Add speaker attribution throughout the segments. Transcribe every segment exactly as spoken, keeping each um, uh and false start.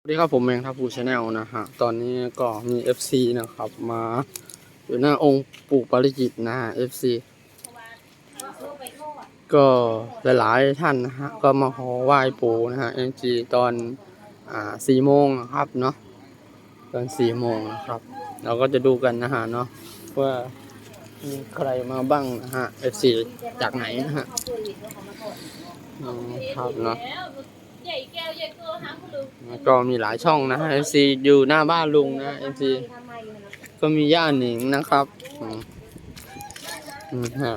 Speaker 1: สวัสดีครับผมเองครับผู้ชาแนลนะฮะตอนนี้ก็มี เอฟ ซี นะครับมาอยู่หน้าองค์ปู่ปาริจิตนะฮะ เอฟ ซี ก็หลายๆท่านนะฮะก็มาขอไหว้ปู่นะฮะ เอ็ม จี ตอนอ่าสี่โมงนะครับเนาะตอนสี่โมงนะครับ เราก็จะดูกันนะฮะเนาะว่ามีใครมาบ้างนะฮะ เอฟ ซี จากไหนนะฮะครับเนาะก็มีหลายช่องนะฮะ เอฟ ซี อยู่หน้าบ้านลุงนะ เอฟ ซี ก็มีย่าหนิงนะครับอืมอืมฮะ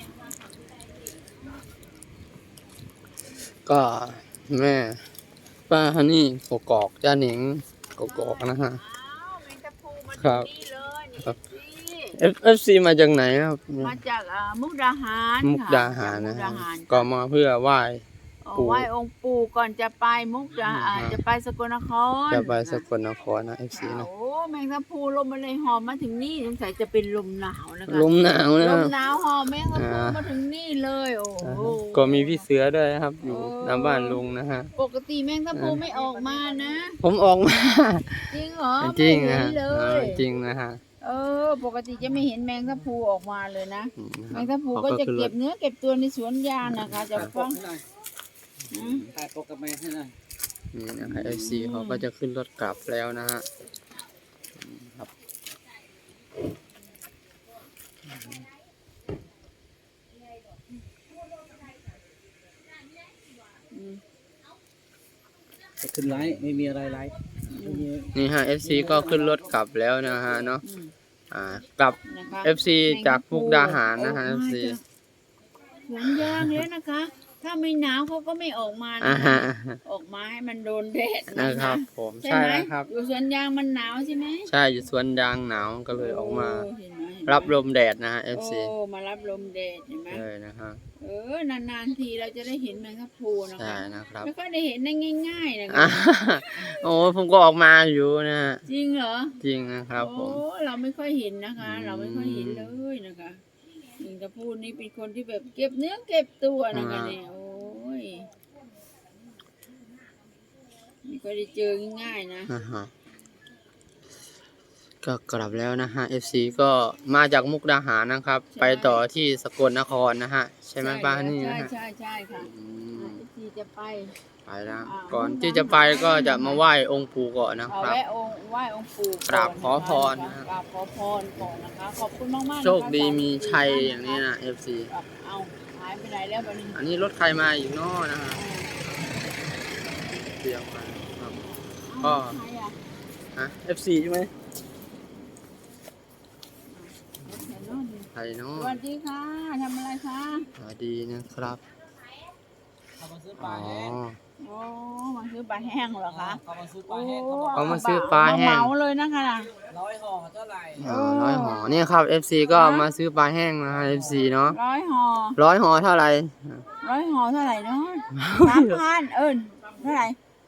Speaker 1: ก็แม่ป้าฮันนี่กกอกย่าหนิงกกอกนะฮะครับครับเอฟเอฟซีมาจากไหนครับ
Speaker 2: มาจากอ่ามุกดาหาร
Speaker 1: มุกดาหารนะฮะก็มาเพื่อไหว้
Speaker 2: ปู่ไหว้องค์ปู่ก่อนจะไปมุกดาอ่าจะไปสกลนคร
Speaker 1: จะไปสกลนครนะ เอฟ ซี นะ
Speaker 2: โอ้แมงทับพลูลมมาเลยหอมมาถึงนี่สงสัยจะเป็นลมหนาวนะคะ
Speaker 1: ลมหนาวนะ
Speaker 2: ลมหนาวหอมแมงทับพลูมาถึงนี่เลยโอ้โห
Speaker 1: ก็มีพี่เสือด้วยครับอยู่หน้าบ้านลุงนะฮะ
Speaker 2: ปกติแมงทับพลูไม่ออกมานะ
Speaker 1: ผมออกมา
Speaker 2: จริงเหรอ
Speaker 1: จริงนะจริงนะฮะ
Speaker 2: เออปกติจะไม่เห็นแมงทับพลูออกมาเลยนะแมงทับพลูก็จะเก็บเนื้อเก็บตัวในสวนยางนะคะจะฟัง
Speaker 3: ถ่ายปกกับแม่ให้หน่อย
Speaker 1: นี่นะฮะ เอฟ ซี เขาก็จะขึ้นรถกลับแล้วนะฮะครับ
Speaker 3: จะขึ้นไลฟ์ไม่มีอะไรไลฟ์
Speaker 1: นี่ฮะ เอฟ ซี ก็ขึ้นรถกลับแล้วนะฮะเนาะอ่ากลับ เอฟ ซี จากมุกดาหารนะฮะ เอฟ ซี
Speaker 2: สวนยางเลยนะคะถ้าไม่หนาวเขาก็ไม่ออกมานะออกมาให้มันโดนแดด
Speaker 1: นะครับผมใช่ครับ
Speaker 2: อยู่สวนยางมันหนาวใช่ไหม
Speaker 1: ใช่อยู่สวนยางหนาวก็เลยออกมารับลมแดดนะฮะ เอฟ ซี
Speaker 2: โอ้มารับลมแดดเห็นไหม
Speaker 1: เลยนะฮะ
Speaker 2: เออนานๆทีเราจะได้เห็นแมงทับพลูนะคะ
Speaker 1: ใช่นะครับ
Speaker 2: ไม่ค่อยได้เห็นได้ง่ายๆนะคะ
Speaker 1: โอ้ผมก็ออกมาอยู่นะ
Speaker 2: จริงเหรอ
Speaker 1: จริงนะครับผม
Speaker 2: โอ้เราไม่ค่อยเห็นนะคะ เราไม่ค่อยเห็นเลยนะคะแมงทับพลูนี่เป็นคนที่แบบเก็บเนื้อเก็บตัวนะคะเนี่ยโอ้ยไม่ค่อยได้เจอง่ายๆนะ
Speaker 1: ก็กลับแล้วนะฮะ เอฟ ซี ก็มาจากมุกดาหารนะครับไปต่อที่สกลนครนะฮะใช่ไหมป้านี่นะ
Speaker 2: ใช่
Speaker 1: ฮะ
Speaker 2: ใช่ใช่ค่ะที่จะไป
Speaker 1: ไปแล้วก่อนที่จะไปก็จะมาไหว้องค์ปู่ก่อนนะครับ
Speaker 2: ไหว้องค์ไหว้องค์ปู่
Speaker 1: กราบขอพร
Speaker 2: กราบขอพรก่อนนะคะขอบคุณมากๆ
Speaker 1: โชคดีมีชัยอย่างนี้นะ เอฟ ซี
Speaker 2: เอาหายไปไหนแล้วบัดนี้
Speaker 1: อันนี้รถใครมาอยู่นอกนะฮะเดียวกันครับก็ฮะ เอฟ ซี ใช่ไหมไทยเนาะ
Speaker 2: สวัสดีค่ะทำอะไรคะ
Speaker 1: สวัสดีนะครับ
Speaker 3: อ๋อ
Speaker 2: โอ้มาซื้อปลาแห้งเหรอคะ
Speaker 3: เขามาซื้อปลาแห้ง
Speaker 1: เขามาซื้อปลาแห้ง
Speaker 2: เหมาเลยนะคะ
Speaker 3: ร้อยห่อเท่าไหร่
Speaker 1: ร้อยห่อนี่ครับ เอฟ ซี ก็มาซื้อปลาแห้งนะฮะ เอฟ ซี เนาะ
Speaker 2: ร้อยห่อ
Speaker 1: ร้อยห่อเท่าไหร่
Speaker 2: ร้อยห่อเท่าไหร่เนาะสามพันเอิญเท่าไหร่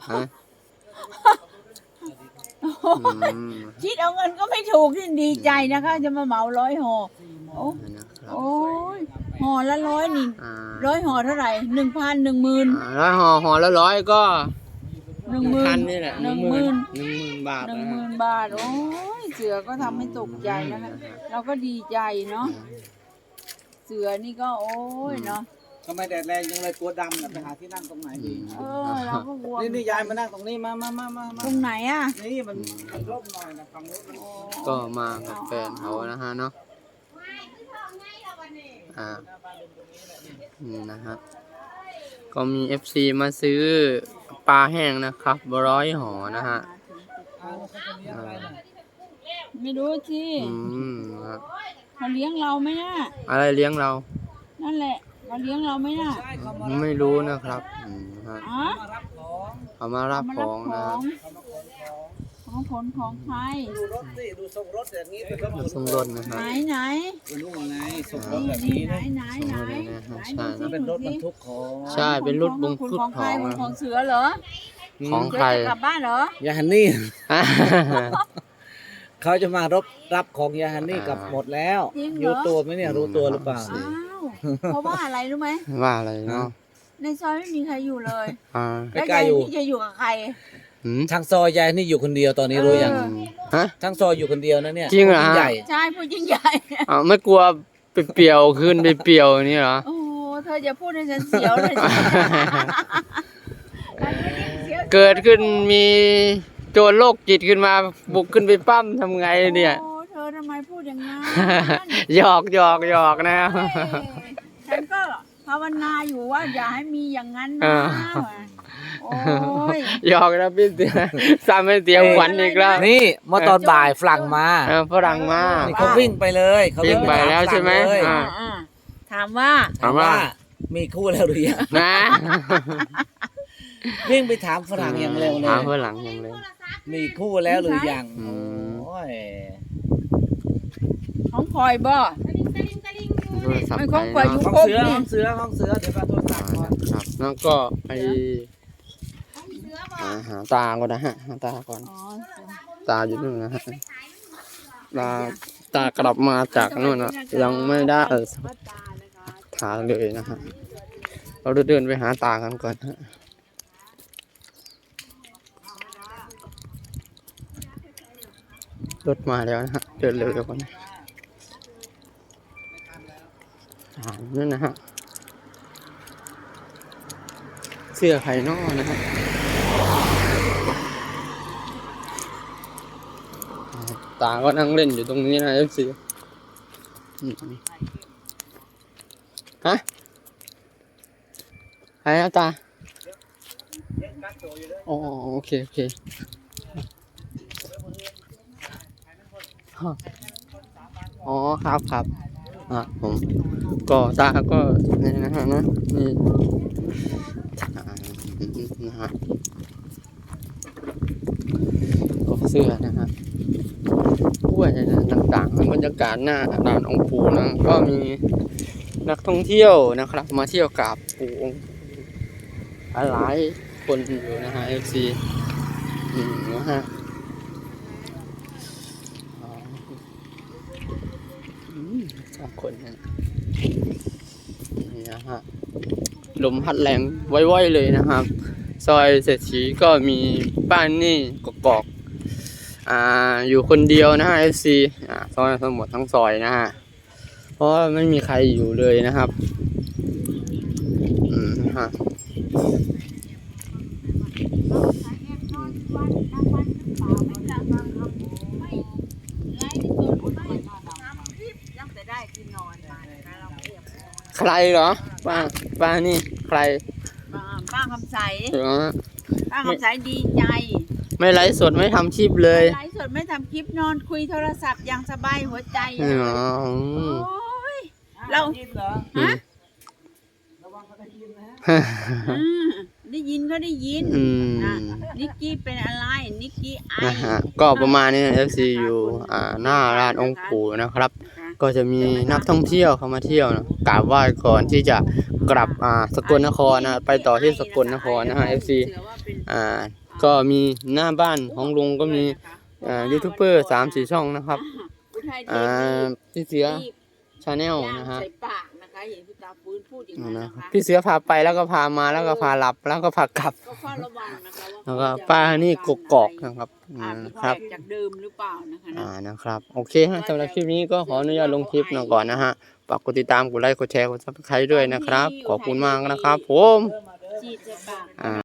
Speaker 2: คิดเอาเงินก็ไม่ถูกที่ดีใจนะคะจะมาเหมาร้อยห่อโอ้โอ้ยห่อละร้อยนี่ร้อยห่อเท่าไหร่หนึ่งพันหนึ่งหมื่น
Speaker 1: ร้อยห่อห่อละร้อยก็
Speaker 2: หนึ่งหมื่น
Speaker 1: นี่แหละ
Speaker 2: หนึ่งหมื่น
Speaker 1: หนึ่งหมื่นบาท
Speaker 2: หนึ่งหมื่นบาทโอ้ยเสือก็ทำให้ตกใจนะคะเราก็ดีใจเนาะเสือนี่ก็โอ้ยเนาะ
Speaker 3: ทำไมแดดแรงยังเลยกลัวดำนะไปหาที่นั่งตรงไหนดี
Speaker 2: เออเราก็กลัว
Speaker 3: นี่นี่ยายมานั่งตรงนี้มามามามา
Speaker 2: ตรงไหนอ่ะ
Speaker 3: นี่มันร่มหน่อยนะฝั่งนู้น
Speaker 1: ก็มากับแฟนเขานะฮะเนาะอ่านะฮะก็มี เอฟ ซี มาซื้อปลาแห้งนะครับร้อยห่อนะฮะ
Speaker 2: ไม่รู้สิเขาเลี้ยงเราไหมนะ
Speaker 1: อะไรเลี้ยงเรา
Speaker 2: นั่นแหละเขาเลี้ยงเราไหมนะ
Speaker 1: ไม่รู้นะครับเขามารับของนะ
Speaker 2: ของผลของใคร
Speaker 3: ดูรถสิดูทรงรถอย่างนี้เป็นรถ
Speaker 1: ทรงรถนะครับ
Speaker 2: ไหนไหน
Speaker 3: ดูไงทรงรถแบบนี้
Speaker 2: ไหนไหนไหน
Speaker 3: ใช่เป็นรถบรรทุกของ
Speaker 1: ใช่เป็นรถบรรทุกของ
Speaker 2: ของเสือเหรอ
Speaker 1: ของใคร
Speaker 2: กลับบ้านเหรอย
Speaker 3: าฮันนี่เขาจะมารบรับของยาฮันนี่กับหมดแล้วรู้ตัวไหมเนี่ยรู้ตัวหรือเปล่า
Speaker 2: เพราะว่าอะไรรู้ไหม
Speaker 1: ว่าอะไรเนาะ
Speaker 2: ในซอยไม่มีใครอยู่เลย
Speaker 1: อ่า
Speaker 2: แล้วยายที่จะอยู่กับใคร
Speaker 1: หืม
Speaker 3: ช่างซอยยายนี่อยู่คนเดียวตอนนี้รู้ยัง
Speaker 2: เออ
Speaker 1: ฮะ
Speaker 3: ช่างซอยอยู่คนเดียวนะเนี่ย
Speaker 1: จริงเหรอฮะ
Speaker 3: ผู้ใหญ่
Speaker 2: ใช่ผู้ยิ่งใหญ่
Speaker 1: อ้าวไม่กลัวไปเปรียวขึ้นไปเปรียวนี่เหรอ
Speaker 2: โอ้โหเธอจะพูดให้ฉันเสียวเลยสิ
Speaker 1: เกิดขึ้นมีโจรโรคจิตขึ้นมาบุกขึ้นไปปั้มทำไงเนี่ย
Speaker 2: โอ้เธอทำไมพูดอย่างนั้น
Speaker 1: หยอกหยอกหยอกนะ
Speaker 2: เฮ้ยฉันก็ภาวนาอยู่ว่าอย่าให้มีอย่างนั้น
Speaker 1: อ่า
Speaker 2: นะโอ้ย
Speaker 1: หยอกนะพี่เตียซ้ำให้เตียขวัญอีกแล้ว
Speaker 3: นี่เมื่อตอนบ่ายฝรั่งมา
Speaker 1: เออฝรั่งมา
Speaker 3: นี่เขาวิ่งไปเลยเขา
Speaker 1: วิ่งไป
Speaker 3: ถา
Speaker 1: แล้วใช่ไหม
Speaker 3: ฝรั่งเลย
Speaker 1: อ่า
Speaker 2: อ่าถามว่า
Speaker 3: ถามว่ามีคู่แล้วหรือยัง
Speaker 1: นะ
Speaker 3: วิ่งไปถามฝรั่งอย่างเร็วเล
Speaker 1: ถาม
Speaker 3: ย
Speaker 1: ฝรั่งอย่างเร็ว
Speaker 3: มีคู่แล้วหรือยัง
Speaker 1: อืม
Speaker 3: โอ้ย
Speaker 2: ของพลอยบ่
Speaker 1: โทรศัพท์
Speaker 2: ไม่
Speaker 1: ไป
Speaker 2: ของปล่อยอยู่
Speaker 1: เนาะ
Speaker 3: ห้องเสือห้องเสือห้องเสือเดี๋ยวมาโทรศัพท์ก่อน
Speaker 1: ครับแล้วก็ไปอ่าหาตาก่อนนะฮะหาตาก่อน
Speaker 2: อ๋อ
Speaker 1: ตาอยู่นู่นนะฮะตาตากลับมาจากนู่นนะยังไม่ได้เออถาเลยนะฮะเราเดินไปหาตากันก่อนฮะรถมาแล้วนะฮะเดินเร็วๆก่อนอ่านั่นนะฮะเสื้อไข่นอนะฮะตาก็นั่งเล่นอยู่ตรงนี้นะเอฟซีฮะใครนะตาอ๋อโอเคโอเคอ๋อครับครับอ่ะผมก็ตาก็นี่นะฮะนะนี่อ่านะฮะก็เสื้อนะฮะกล้วยต่างๆบรรยากาศหน้าด่านองค์ปู่นะก็มีนักท่องเที่ยวนะครับ มาเที่ยวกับปู่องค์หลายคนอยู่นะฮะเอฟซีอืมนะฮะอ๋ออืมสองคนนะนี่นะฮะลมพัดแรงไว้ๆเลยนะครับ ซอยเศรษฐีก็มีบ้านนี่กอกๆอ่าอยู่คนเดียวนะฮะ เอฟ ซี อ่าซอยทั้งหมดทั้งซอยนะฮะเพราะว่าไม่มีใครอยู่เลยนะครับอืมนะฮะใครเหรอป้าป้านี่ใคร
Speaker 2: ป้าป้าคำใส
Speaker 1: เหรอ
Speaker 2: ป้าคำใสดีใจ
Speaker 1: ไม่ไลฟ์สดไม่ทำคลิปเลย
Speaker 2: ไลฟ์สดไม่ทำคลิปนอนคุยโทรศัพท์อย่างสบายหัวใจ
Speaker 1: อ๋
Speaker 2: อะ
Speaker 1: อ
Speaker 2: โอ้ยเรา
Speaker 3: เหรอ
Speaker 2: ฮะ
Speaker 3: ระวังเขาได้ยินนะ
Speaker 2: อืมได้ยินก็ได้ยิน
Speaker 1: อืม
Speaker 2: นะนิกกี้เป็นอะไรนิกกี้ไอ
Speaker 1: นะฮะก็ประมาณนี้ เอฟ ซี อยู่อ่าหน้าร้านองค์ปู่นะครับ ก็จะมีนักท่องเที่ยวเข้ามาเที่ยวนะกราบไหว้ก่อนที่จะกลับอ่าสกลนครนะไปต่อที่สกลนครนะฮะ เอฟ ซี อ่าก็มีหน้าบ้านของลุงก็มีอ่ายูทูบเบอร์สามสี่ช่องนะครับอ่าพี่เสือชาแนลนะฮะ
Speaker 2: ใส่ปากนะคะเห็นพี่ตาฟื้นพูดอย่างนั้น
Speaker 1: นะ
Speaker 2: นะครับ คะ
Speaker 1: พี่เสือพาไปแล้วก็พามาแล้วก็พาหลับแล้วก็พากลับ
Speaker 2: ก็เฝ้าระวังนะคะว่า
Speaker 1: แล้วก็ป้านี่กกอกนะครับอื
Speaker 2: อาจ
Speaker 1: ม
Speaker 2: จะ
Speaker 1: ครับ
Speaker 2: แปลกจากเดิมหรือเปล่านะคะนะ
Speaker 1: อ่านะครับโอเคฮะสำหรับคลิปนี้ก็ขออนุญาตลงคลิปหน่อยก่อนนะฮะฝากกดติดตามกดไลค์กดแชร์กดซับสไครต์ด้วยนะครับขอบคุณมากนะครับผม
Speaker 2: จีดใส่ปาก
Speaker 1: อ่า